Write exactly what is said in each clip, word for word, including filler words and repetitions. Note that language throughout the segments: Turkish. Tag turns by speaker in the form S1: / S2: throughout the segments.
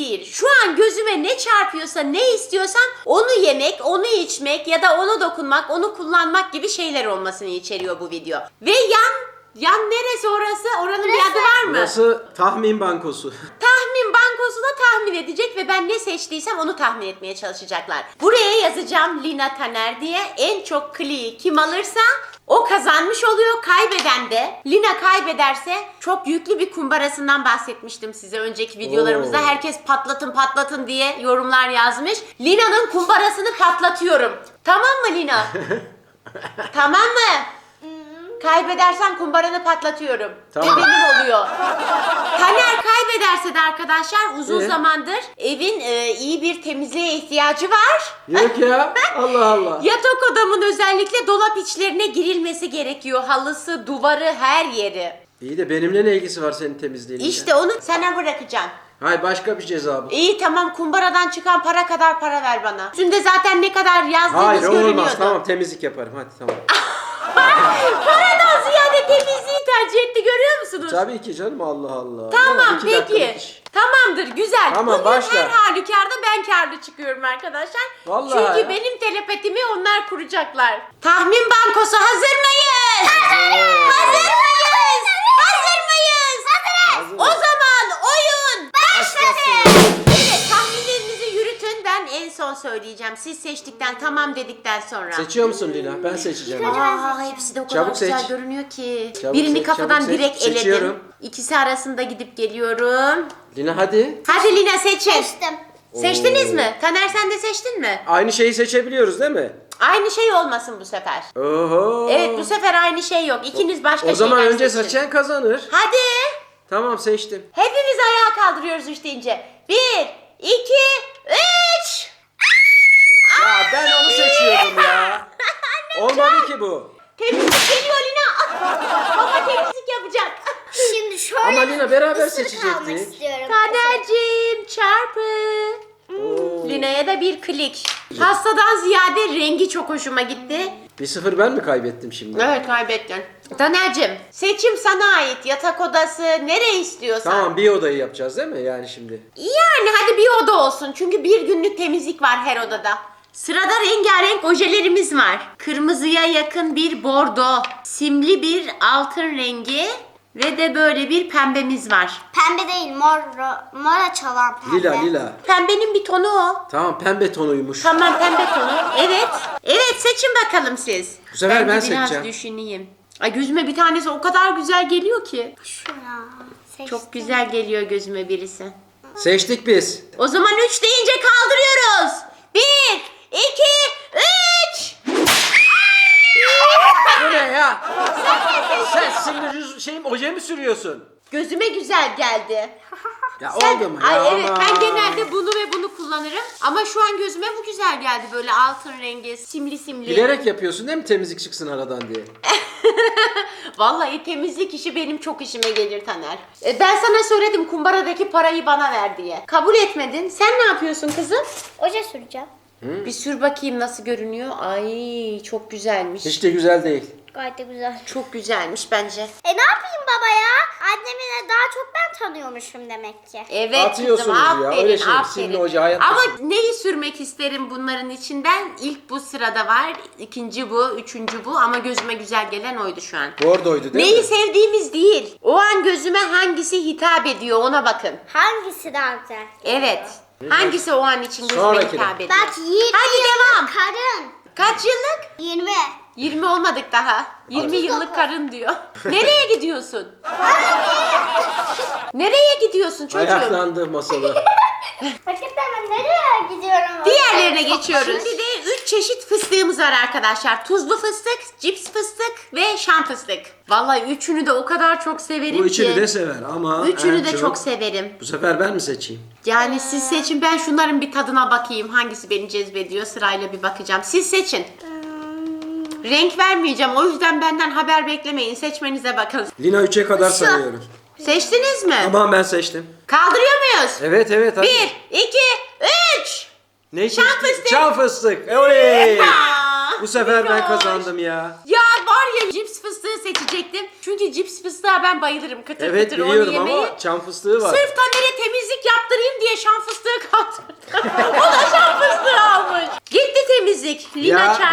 S1: değil. Şu an gözüme ne çarpıyorsa, ne istiyorsam onu yemek, onu içmek ya da onu dokunmak, onu kullanmak gibi şeyler olmasını içeriyor bu video. Ve yan, yan neresi orası? Oranın bir adı var mı?
S2: Burası tahmin bankosu.
S1: Tahmin bankosu da tahmin edecek ve ben ne seçtiysem onu tahmin etmeye çalışacaklar. Buraya yazacağım Lina Taner diye. En çok kliği kim alırsa o kazanmış oluyor. Kaybeden de, Lina kaybederse, çok yüklü bir kumbarasından bahsetmiştim size önceki videolarımızda.
S2: Oo.
S1: Herkes patlatın patlatın diye yorumlar yazmış. Lina'nın kumbarasını patlatıyorum. Tamam mı Lina? Tamam mı? Kaybedersen kumbaranı patlatıyorum.
S2: Tamam.
S1: Ve benim oluyor. Taner kaybederse de arkadaşlar uzun
S2: Ee?
S1: zamandır evin e, iyi bir temizliğe ihtiyacı var.
S2: Yok ya. Allah Allah.
S1: Yatak odamın özellikle dolap içlerine girilmesi gerekiyor. Halısı, duvarı, her yeri.
S2: İyi de benimle ne ilgisi var senin temizliğinle?
S1: İşte onu sana bırakacağım.
S2: Hayır, başka bir ceza bu.
S1: İyi tamam, kumbaradan çıkan para kadar para ver bana. Üstünde zaten ne kadar yazdığımız
S2: Hayır,
S1: görünüyordu.
S2: olmaz. Tamam, temizlik yaparım. Hadi tamam.
S1: Paradan ziyade temizliği tercih etti, görüyor musunuz?
S2: Tabii ki canım, Allah Allah.
S1: Tamam
S2: iki dakikalık
S1: peki.
S2: iş.
S1: Tamamdır, güzel.
S2: Tamam,
S1: Bugün
S2: başla.
S1: her halükarda ben karlı çıkıyorum arkadaşlar.
S2: Vallahi
S1: Çünkü
S2: ya.
S1: benim telepatimi onlar kuracaklar. Tahmin bankosu hazır mıyız?
S2: Hazırız.
S1: Hazır mıyız? Hazır mıyız?
S2: Hazırız.
S1: O zaman oyun başladı. Evet, tahminlerinizi yürütün. Ben en son söyleyeceğim. Siz seçtikten, tamam dedikten sonra.
S2: Seçiyor musun Lina? Ben seçeceğim.
S1: Aa, hepsi de o kadar
S2: Çabuk
S1: güzel
S2: seç.
S1: görünüyor ki.
S2: Çabuk
S1: Birini
S2: seç,
S1: kafadan
S2: çabuk seç.
S1: direkt eledim.
S2: Seçiyorum.
S1: İkisi arasında gidip geliyorum.
S2: Lina hadi.
S1: Hadi Lina seçin.
S3: Seçtim.
S1: Seçtiniz
S2: Oo.
S1: mi? Taner sen de seçtin mi?
S2: Aynı şeyi seçebiliyoruz değil mi?
S1: Aynı şey olmasın bu sefer.
S2: Oho.
S1: Evet, bu sefer aynı şey yok. İkiniz başka
S2: O zaman
S1: şeyler
S2: önce
S1: seçin.
S2: seçen kazanır.
S1: Hadi.
S2: Tamam, seçtim.
S1: Hepimiz ayağa kaldırıyoruz üç deyince. Bir, iki, üç.
S2: Ya ben onu seçiyordum ya. Olmadı ki bu.
S1: Temizlik geliyor Lina. Baba temizlik yapacak.
S3: Şimdi şöyle
S2: Ama Lina, beraber
S3: ısırık almak
S2: seçecektik.
S3: istiyorum.
S1: Taner'cim çarpı.
S2: Oo.
S1: Lina'ya da bir klik. Pastadan ziyade rengi çok hoşuma gitti.
S2: Bir sıfır ben mi kaybettim şimdi?
S1: Evet, kaybettin. Taner'cim seçim sana ait. Yatak odası nereye istiyorsan.
S2: Tamam, bir odayı yapacağız değil mi yani şimdi?
S1: Yani hadi bir oda olsun. Çünkü bir günlük temizlik var her odada. Sırada rengarenk ojelerimiz var. Kırmızıya yakın bir bordo, simli bir altın rengi ve de böyle bir pembemiz var.
S3: Pembe değil, mor, mora çalan pembe.
S2: Lila lila.
S1: Pembenin bir tonu o.
S2: Tamam, pembe tonuymuş.
S1: Tamam, pembe tonu. Evet. Evet, seçin bakalım siz.
S2: Bu sefer ben
S1: de biraz
S2: seçeceğim.
S1: düşüneyim. Ay, gözüme bir tanesi o kadar güzel geliyor ki.
S3: Şuna seçtim.
S1: Çok güzel geliyor gözüme birisi.
S2: Seçtik biz.
S1: O zaman üç deyince kaldırıyoruz. Bir, iki, üç.
S2: Bu ne ya? Sen sinir yüz şeyim oje mi sürüyorsun?
S1: Gözüme güzel geldi.
S2: Ya
S1: Sen-
S2: oldu mu?
S1: Ay
S2: ya?
S1: evet,
S2: Aman.
S1: ben genelde bunu ve bunu kullanırım. Ama şu an gözüme bu güzel geldi, böyle altın rengi, simli simli.
S2: Bilerek yapıyorsun değil mi, temizlik çıksın aradan diye?
S1: Vallahi temizlik işi benim çok işime gelir Taner. E, ben sana söyledim kumbaradaki parayı bana ver diye. Kabul etmedin. Sen ne yapıyorsun kızım?
S3: Oje süreceğim.
S1: Bir sür bakayım nasıl görünüyor. Ay çok güzelmiş.
S2: Hiç de güzel değil.
S3: Gayet de güzel.
S1: Çok güzelmiş bence.
S3: E ne yapayım baba ya? Annemi de daha çok ben tanıyormuşum demek ki.
S1: Evet
S2: Atıyorsunuz
S1: kızım,
S2: ya,
S1: aferin,
S2: öyle şey,
S1: aferin.
S2: simli hoca, hayatta
S1: Ama
S2: simli.
S1: neyi sürmek isterim bunların içinden? İlk bu sırada var, ikinci bu, üçüncü bu, ama gözüme güzel gelen oydu şu an.
S2: Bordoydu değil
S1: Neyi
S2: mi?
S1: sevdiğimiz değil. O an gözüme hangisi hitap ediyor ona bakın.
S3: Hangisi daha güzel?
S1: Evet. Hangisi o an için gözüme
S2: Sonrakine.
S1: hitap ediyor?
S3: Bak yirmi
S1: Hadi devam.
S3: yıllık karın.
S1: Kaç yıllık?
S3: yirmi.
S1: yirmi olmadık daha. yirmi yıllık karın diyor. Nereye gidiyorsun? Nereye gidiyorsun çocuğum?
S2: Ayaklandı masada.
S3: Hakikaten ben nereye gidiyorum?
S1: Diğerlerine geçiyoruz. Şimdi de üç çeşit fıstığımız var arkadaşlar. Tuzlu fıstık, cips fıstık ve şan fıstık. Vallahi üçünü de o kadar çok severim
S2: Bu
S1: ki.
S2: üçünü de sever ama
S1: Üçünü
S2: en
S1: de çok severim.
S2: Bu sefer ben mi seçeyim?
S1: Yani siz seçin, ben şunların bir tadına bakayım. Hangisi beni cezbediyor, sırayla bir bakacağım. Siz seçin. Renk vermeyeceğim, o yüzden benden haber beklemeyin. Seçmenize bakın.
S2: Lina üçe kadar
S3: Şu.
S2: sayıyorum.
S1: Seçtiniz mi?
S2: Tamam, ben seçtim.
S1: Kaldırıyor muyuz?
S2: Evet evet hadi.
S1: Bir, iki, üç.
S2: Ne
S1: Şan
S2: seçtin?
S1: fıstık.
S2: Şan fıstık. Oley!
S1: Aa,
S2: Bu sefer ben
S1: Linoş.
S2: kazandım ya.
S1: Ya var ya, cips fıstığı seçecektim. Çünkü cips fıstığa ben bayılırım. Kıtır
S2: Evet
S1: kıtır onu
S2: biliyorum
S1: yemeyi.
S2: ama çam fıstığı var.
S1: Sırf Taner'e temizlik yaptırayım diye şan fıstığı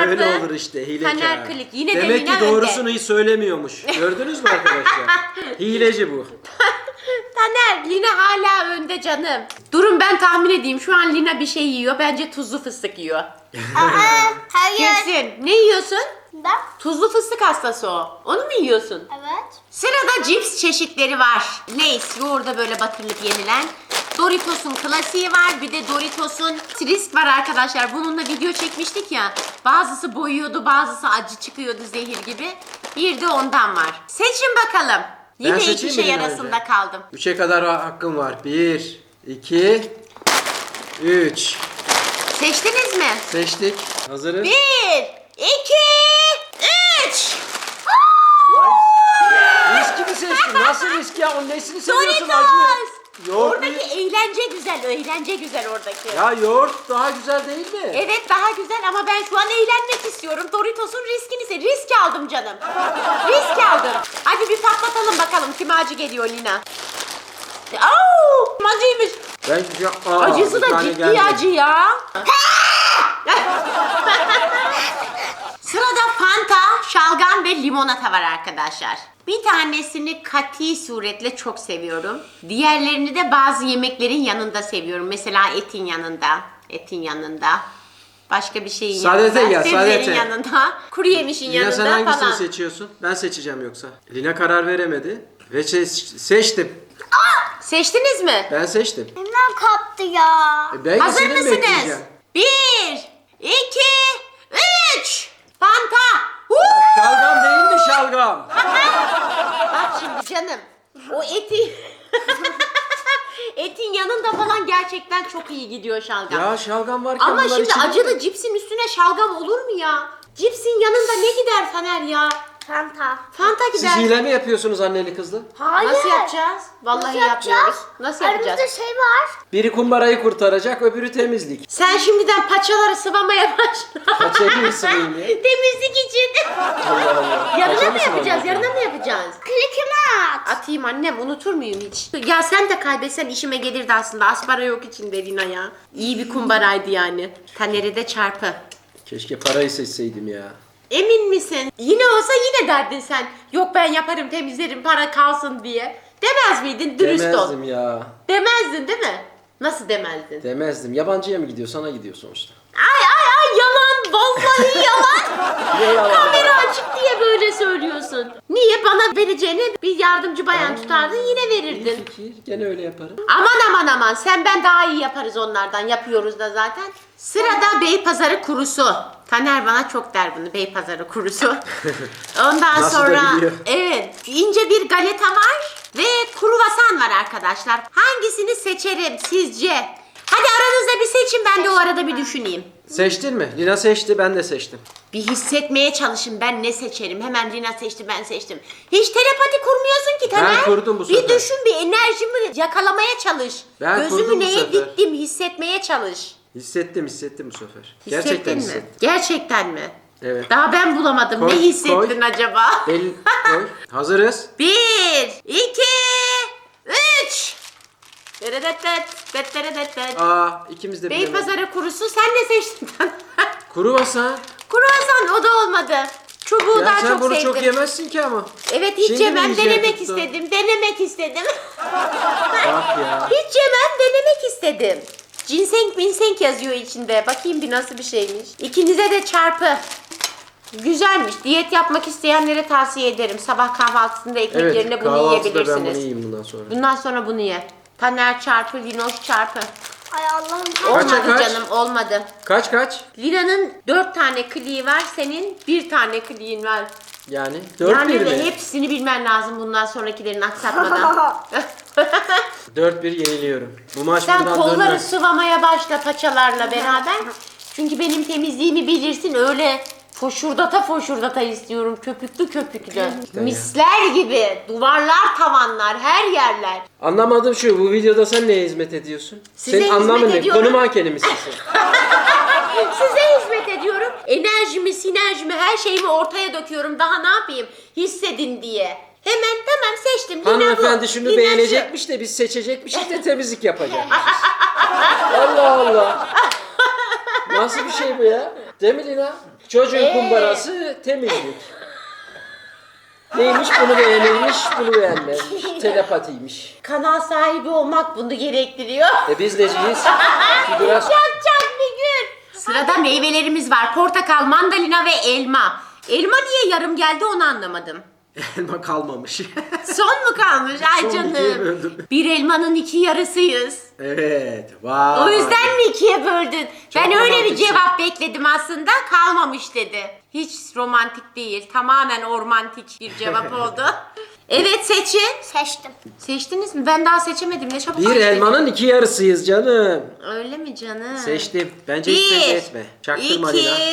S1: çarpı.
S2: Böyle olur işte hilekar.
S1: Taner Klik. Yine de
S2: Demek
S1: Lina
S2: ki doğrusunu
S1: önde.
S2: hiç söylemiyormuş. Gördünüz mü arkadaşlar? Hileci bu.
S1: Taner, Lina hala önde canım. Durun ben tahmin edeyim. Şu an Lina bir şey yiyor. Bence tuzlu fıstık yiyor.
S3: Aa, hayır.
S1: Kesin. Ne yiyorsun?
S3: Ben?
S1: Tuzlu fıstık hastası o. Onu mu yiyorsun?
S3: Evet.
S1: Sırada cips çeşitleri var. Lay's yoğurda böyle batırılıp yenilen. Doritos'un klasiği var. Bir de Doritos'un Frisk var arkadaşlar. Bununla video çekmiştik ya. Bazısı boyuyordu, bazısı acı çıkıyordu zehir gibi. Bir de ondan var. Seçin bakalım. Yine iki
S2: seçeyim mi
S1: şey
S2: Lina
S1: arasında
S2: önce?
S1: kaldım.
S2: Üçe kadar hakkım var. Bir, iki, üç.
S1: Seçtiniz mi?
S2: Seçtik. Hazırız.
S1: Bir, iki, üç.
S2: Riski mi seçtin? Nasıl risk ya? Onun nesini seviyorsun acı?
S1: Doritos.
S2: Yoğurt
S1: Oradaki
S2: mu?
S1: eğlence güzel, eğlence güzel oradaki.
S2: Ya yoğurt daha güzel değil mi?
S1: Evet daha güzel ama ben şu an eğlenmek istiyorum. Doritos'un riskini se risk aldım canım. Risk aldım. Hadi bir patlatalım bakalım kime acı geliyor Lina. Au! Acıymış.
S2: Ben şu Aa,
S1: Acısı
S2: bir
S1: da
S2: tane
S1: ciddi
S2: geldi.
S1: acı ya. Sırada Fanta, şalgam ve limonata var arkadaşlar. Bir tanesini kati suretle çok seviyorum. Diğerlerini de bazı yemeklerin yanında seviyorum. Mesela etin yanında, etin yanında. Başka bir şeyin
S2: Sadete
S1: yanında,
S2: gel,
S1: sebzelerin
S2: sadete.
S1: yanında, kuru yemişin
S2: Lina sen
S1: yanında
S2: hangisini
S1: falan.
S2: seçiyorsun? Ben seçeceğim yoksa. Lina karar veremedi. Ve se- seçtim.
S1: Seçtiniz mi?
S2: Ben seçtim.
S3: Elimden kaptı ya.
S2: E ben
S1: Hazır
S2: senin mi
S1: mısınız?
S2: bekleyeceğim?
S1: Bir, iki, üç. Fanta. Huu!
S2: Şalgam değil mi şalgam?
S1: Bak şimdi canım. O eti... Etin yanında falan gerçekten çok iyi gidiyor şalgam.
S2: Ya şalgam varken
S1: Ama
S2: bunlar
S1: şimdi
S2: içilir mi?
S1: acılı cipsin üstüne şalgam olur mu ya? Cipsin yanında ne gider Taner ya?
S3: Fanta.
S1: Fanta
S2: Siz
S1: gider.
S2: hile mi yapıyorsunuz anneli kızlı?
S3: Hayır.
S1: Nasıl yapacağız? Vallahi
S3: Nasıl
S1: yapmıyoruz.
S3: yapacağız?
S1: Nasıl yapacağız?
S3: Aramızda şey var.
S2: Biri kumbarayı kurtaracak, öbürü temizlik.
S1: Sen şimdiden paçaları sıvamaya başla.
S2: Paçayı mı sıvayım ya?
S1: Temizlik için.
S2: Allah Allah.
S1: Yarına
S2: Paça
S1: mı
S2: mı
S1: yapacağız?
S2: sıvamak
S1: Yarına
S2: ya?
S1: mı yapacağız?
S3: Klikimi at.
S1: Atayım annem, unutur muyum hiç? Ya sen de kaybetsen işime gelirdi aslında. Aspara yok içinde Lina ya. İyi bir kumbaraydı yani. Taner'i de çarpı.
S2: Keşke parayı seçseydim ya.
S1: Emin misin? Yine olsa yine derdin sen. Yok ben yaparım temizlerim para kalsın diye. Demez miydin? Dürüst ol.
S2: Demezdim ya.
S1: Demezdin değil mi? Nasıl demezdin?
S2: Demezdim. Yabancıya mı gidiyor? Sana gidiyor sonuçta.
S1: Ay ay ay yalan. Vallahi yalan.
S2: Niye yalan?
S1: Kamera açık diye böyle söylüyorsun. Niye bana vereceğine bir yardımcı bayan tutardın yine
S2: İyi
S1: verirdin.
S2: fikir. Gene öyle yaparım.
S1: Aman aman aman sen ben daha iyi yaparız onlardan yapıyoruz da zaten. Sırada Beypazarı kurusu. Taner bana çok der bunu Beypazarı kurusu. Ondan
S2: Nasıl da
S1: sonra
S2: biliyor.
S1: evet ince bir galeta var ve kruvasan var arkadaşlar. Hangisini seçerim sizce? Hadi aranızda bir seçin ben de o arada bir düşüneyim.
S2: Seçtin mi? Lina seçti, ben de seçtim.
S1: Bir hissetmeye çalışın ben ne seçerim. Hemen Lina seçti ben seçtim. Hiç telepati kurmuyorsun ki Taner.
S2: Ben kurdum bu
S1: Bir
S2: sefer.
S1: düşün bir enerjimi yakalamaya çalış.
S2: Ben
S1: Gözümü
S2: kurdum bu
S1: neye
S2: sefer.
S1: diktim hissetmeye çalış.
S2: Hissettim, hissettim bu sefer.
S1: Hissettin
S2: Gerçekten
S1: mi?
S2: hissettim.
S1: Gerçekten mi?
S2: Evet.
S1: Daha ben bulamadım.
S2: Koy,
S1: ne hissettin
S2: koy.
S1: acaba?
S2: El koy. Hazırız.
S1: Bir, iki, üç. Deredetet, deredetet.
S2: Aa, ikimiz de bilemedik.
S1: Beypazarı kurusu sen ne seçtin?
S2: Kruvasan.
S1: Kruvasan o da olmadı. Çubuğu
S2: Ya
S1: daha
S2: sen
S1: çok
S2: bunu
S1: sevdim.
S2: çok yemezsin ki ama.
S1: Evet hiç
S2: Şimdi mi
S1: yemem
S2: yiyeceğim
S1: denemek
S2: tuttu?
S1: istedim. Denemek istedim.
S2: Bak ya.
S1: Hiç yemem denemek istedim. Ginseng minseng yazıyor içinde. Bakayım bir nasıl bir şeymiş. İkinize de çarpı. Güzelmiş. Diyet yapmak isteyenlere tavsiye ederim. Sabah kahvaltısında ekmek
S2: Evet,
S1: yerine bunu
S2: kahvaltıda ben bunu
S1: yiyebilirsiniz.
S2: yiyeyim bundan sonra.
S1: Bundan sonra bunu ye. Taner çarpı, Linoş çarpı.
S3: Ay Allah'ım.
S2: Kaça
S1: Olmadı
S2: kaç?
S1: canım olmadı.
S2: Kaç kaç?
S1: Lina'nın dört tane kliği var. Senin bir tane kliğin var.
S2: Yani dört
S1: yani
S2: bir
S1: ve
S2: mi?
S1: hepsini bilmen lazım bundan sonrakilerini aksatmadan.
S2: dört bir yeniliyorum. Bu maç
S1: Sen
S2: buradan
S1: kolları
S2: dönmez.
S1: sıvamaya başla paçalarla beraber. Çünkü benim temizliğimi bilirsin öyle foşurdata foşurdata istiyorum köpüklü köpüklü. Misler gibi duvarlar tavanlar her yerler.
S2: Anlamadım şu, bu videoda sen neye hizmet ediyorsun?
S1: Size
S2: Senin anlamın
S1: hizmet
S2: ne?
S1: ediyorum.
S2: Konu mankeni misin sen?
S1: Size hizmet ediyorum. Enerjimi, sinerjimi, her şeyimi ortaya döküyorum. Daha ne yapayım? Hissedin diye. Hemen tamam seçtim. Lina bu.
S2: Hanımefendi şunu
S1: Lina
S2: beğenecekmiş de biz seçecekmişiz de temizlik yapacakmışız. Allah Allah. Nasıl bir şey bu ya? Değil mi Lina? Çocuğun
S1: Ee?
S2: kumbarası temizlik. Neymiş bunu beğenilmiş, bunu beğenmemiş. Telepatiymiş.
S1: Kanal sahibi olmak bunu gerektiriyor.
S2: E biz neciyiz? Biraz...
S1: Yapacak bir gün. Sırada meyvelerimiz var. Portakal, mandalina ve elma. Elma niye yarım geldi onu anlamadım.
S2: Elma kalmamış.
S1: Son mu kalmış? Ay
S2: Son
S1: canım.
S2: ikiye böldüm.
S1: Bir elmanın iki yarısıyız.
S2: Evet. Vay.
S1: O yüzden mi ikiye böldün?
S2: Çok
S1: Ben öyle bir
S2: romantiksin.
S1: cevap bekledim aslında. Kalmamış dedi. Hiç romantik değil. Tamamen ormantik bir cevap oldu. Evet seçin.
S3: Seçtim.
S1: Seçtiniz mi? Ben daha seçemedim. Ne çabuk
S2: Bir
S1: seçtim.
S2: elmanın iki yarısıyız canım.
S1: Öyle mi canım?
S2: Seçtim. Bence hiç belli
S1: Bir,
S2: etme. Çaktırma
S1: iki,
S2: Lina.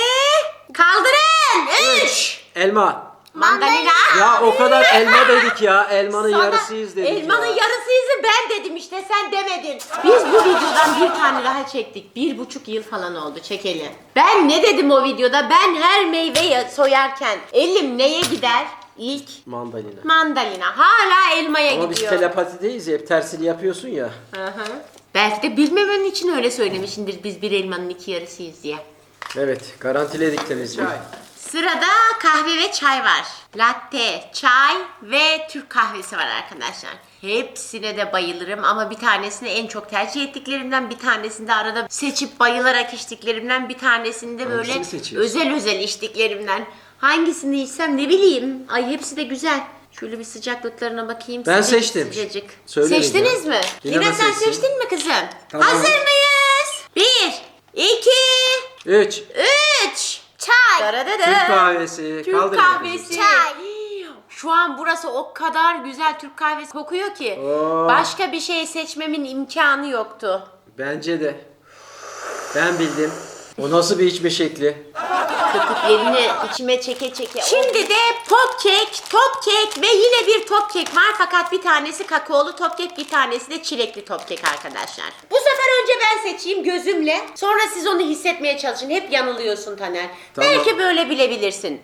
S1: kaldırın. Üç.
S2: Elma.
S1: Mandalina.
S2: Ya o kadar elma dedik ya. Elmanın
S1: Sana
S2: yarısıyız dedik
S1: elmanın
S2: ya.
S1: yarısıyız ben dedim işte sen demedin. Biz bu videodan bir tane daha çektik. Bir buçuk yıl falan oldu çekeli. Ben ne dedim o videoda? Ben her meyveyi soyarken elim neye gider? İlk
S2: Mandalina.
S1: mandalina. Hala elmaya
S2: Ama biz
S1: gidiyor.
S2: telepatideyiz ya. Hep tersini yapıyorsun ya.
S1: Hı hı. Belki de bilmemen için öyle söylemişindir biz bir elmanın iki yarısıyız diye.
S2: Evet. Garantiledik temizliği.
S1: Sırada kahve ve çay var. Latte, çay ve Türk kahvesi var arkadaşlar. Hepsine de bayılırım ama bir tanesini en çok tercih ettiklerimden, bir tanesini de arada seçip bayılarak içtiklerimden, bir tanesini de böyle
S2: Hangisini seçiyorsun?
S1: özel özel içtiklerimden. Hangisini içsem ne bileyim. Ay hepsi de güzel. Şöyle bir sıcaklıklarına bakayım.
S2: Ben
S1: Sıcacık
S2: seçtim.
S1: Sıcacık.
S2: Söylerim
S1: Seçtiniz
S2: ya.
S1: mi?
S2: Lina
S1: Lina
S2: da
S1: sen
S2: seçsin.
S1: seçtin mi kızım?
S2: Tamam.
S1: Hazır mıyız? Bir, iki,
S2: Üç.
S1: üç.
S3: Çay.
S1: Daradadı.
S2: Türk kahvesi.
S1: Türk
S2: Kaldır
S1: kahvesi.
S3: Çay.
S1: Şu an burası o kadar güzel Türk kahvesi kokuyor ki
S2: Oo.
S1: başka bir şey seçmemin imkanı yoktu.
S2: Bence de. Ben bildim. O nasıl bir içme şekli?
S1: Köpüklerini içime çeke çeke. Şimdi de pop kek, top kek ve yine bir top kek var fakat bir tanesi kakaolu top kek, bir tanesi de çilekli top kek arkadaşlar. Bu sefer önce ben seçeyim gözümle. Sonra siz onu hissetmeye çalışın. Hep yanılıyorsun Taner.
S2: Tamam.
S1: Belki böyle bilebilirsin.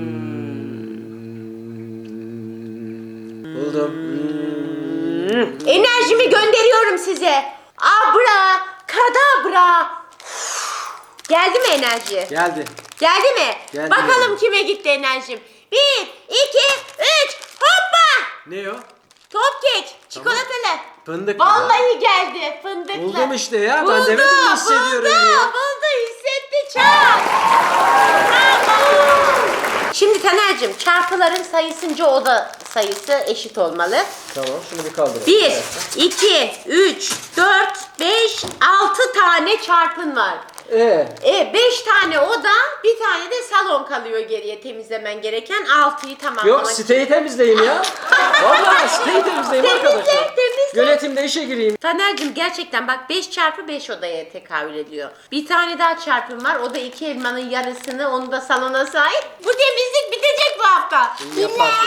S2: Buldum. Hmm.
S1: Enerjimi gönderiyorum size. Abra, kadabra. Geldi mi enerji?
S2: Geldi.
S1: Geldi mi?
S2: Geldi.
S1: Bakalım kime gitti enerjim. Bir, iki, üç, hoppa!
S2: Ne o?
S1: Top kek, çikolatalı.
S2: Fındık.
S1: Vallahi geldi fındıklı.
S2: Buldum işte ya, ben
S1: Buldu,
S2: demedim mi hissediyorum
S1: buldu,
S2: diye.
S1: Buldu, hissetti çok. Bravo. Şimdi Taner'cim çarpıların sayısınca o da sayısı eşit olmalı.
S2: Tamam, şunu bir kaldıralım.
S1: bir, iki, üç, dört, beş, altı tane çarpın var.
S2: Ee,
S1: E beş tane oda, bir tane de salon kalıyor geriye temizlemen gereken. altıyı tamamlamak
S2: yok
S1: için.
S2: siteyi temizleyin ya. Vallahi siteyi temizleyin
S1: Temizle,
S2: arkadaşlar.
S1: temizle.
S2: Yönetimde işe gireyim.
S1: Taner'cim gerçekten bak beş çarpı beş odaya tekabül ediyor. Bir tane daha çarpım var. O da iki elmanın yarısını, onu da salona sahip. Bu temizlik bitecek bu hafta.
S2: İyi yaparsın.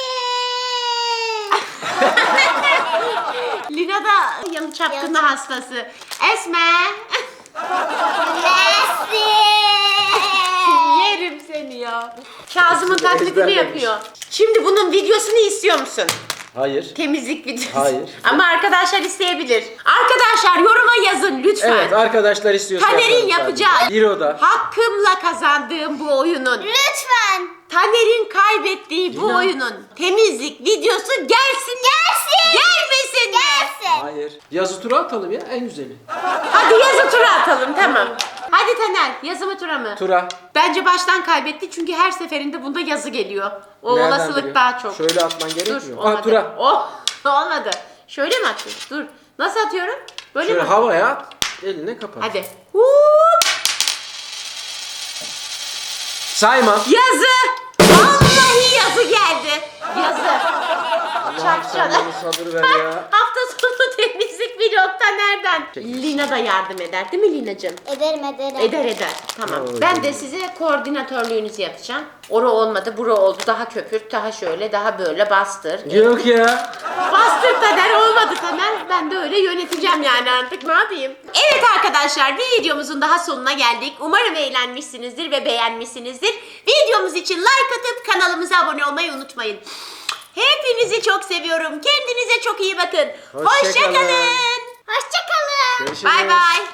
S1: Lina da yalı çapkını hastası. Esme. Yerim seni ya. Kazım'ın taklidini
S2: Ezberlemiş.
S1: yapıyor. Şimdi bunun videosunu istiyor musun?
S2: Hayır.
S1: Temizlik videosu.
S2: Hayır.
S1: Ama arkadaşlar isteyebilir. Arkadaşlar yoruma yazın lütfen.
S2: Evet, arkadaşlar istiyorsa
S1: Taner'in
S2: yaparım
S1: yapacağı
S2: sadece. Bir oda.
S1: hakkımla kazandığım bu oyunun,
S3: Lütfen.
S1: Taner'in kaybettiği bu
S2: Lina.
S1: oyunun temizlik videosu gelsin.
S3: Gelsin.
S1: Gelmesin mi?
S3: Gelsin.
S2: Hayır. Yazı tura atalım ya, en güzeli.
S1: Hadi yazı tura atalım tamam. Hadi Taner yazı mı tura mı?
S2: Tura.
S1: Bence baştan kaybetti çünkü her seferinde bunda yazı geliyor. O
S2: Nereden
S1: olasılık
S2: biliyor?
S1: daha çok.
S2: Şöyle atman
S1: Dur
S2: gerekmiyor.
S1: olmadı.
S2: Ha, tura.
S1: Oh olmadı. Şöyle mi atıyorsun? Dur. Nasıl atıyorum? Böyle
S2: Şöyle
S1: mi?
S2: havaya at, eline kapat.
S1: Hadi. Hup.
S2: Sayma.
S1: Yazı. Vallahi yazı geldi. Yazı.
S2: Allah'ım sen
S1: Çak
S2: bana sabır ver ya.
S1: Hafta sonu temizlik vlogta nereden?
S2: Çekil.
S1: Lina da yardım eder değil mi Lina'cığım?
S3: Ederim ederim.
S1: Eder eder. Tamam.
S2: Oo,
S1: Ben
S2: canım.
S1: de size koordinatörlüğünüzü yapacağım. Ora olmadı, bura oldu. Daha köpürt, daha şöyle, daha böyle bastır.
S2: Yok ya.
S1: Bastır Taner, olmadı Taner. Ben de öyle yöneteceğim yani artık, ne yapayım? Evet arkadaşlar, bir videomuzun daha sonuna geldik. Umarım eğlenmişsinizdir ve beğenmişsinizdir. Videomuz için like atıp kanalımıza abone olmayı unutmayın. Hepinizi çok seviyorum. Kendinize çok iyi bakın.
S2: Hoşça
S1: Hoşça
S2: kalın.
S1: kalın.
S3: Hoşçakalın.
S2: Görüşürüz.
S1: Bay bay.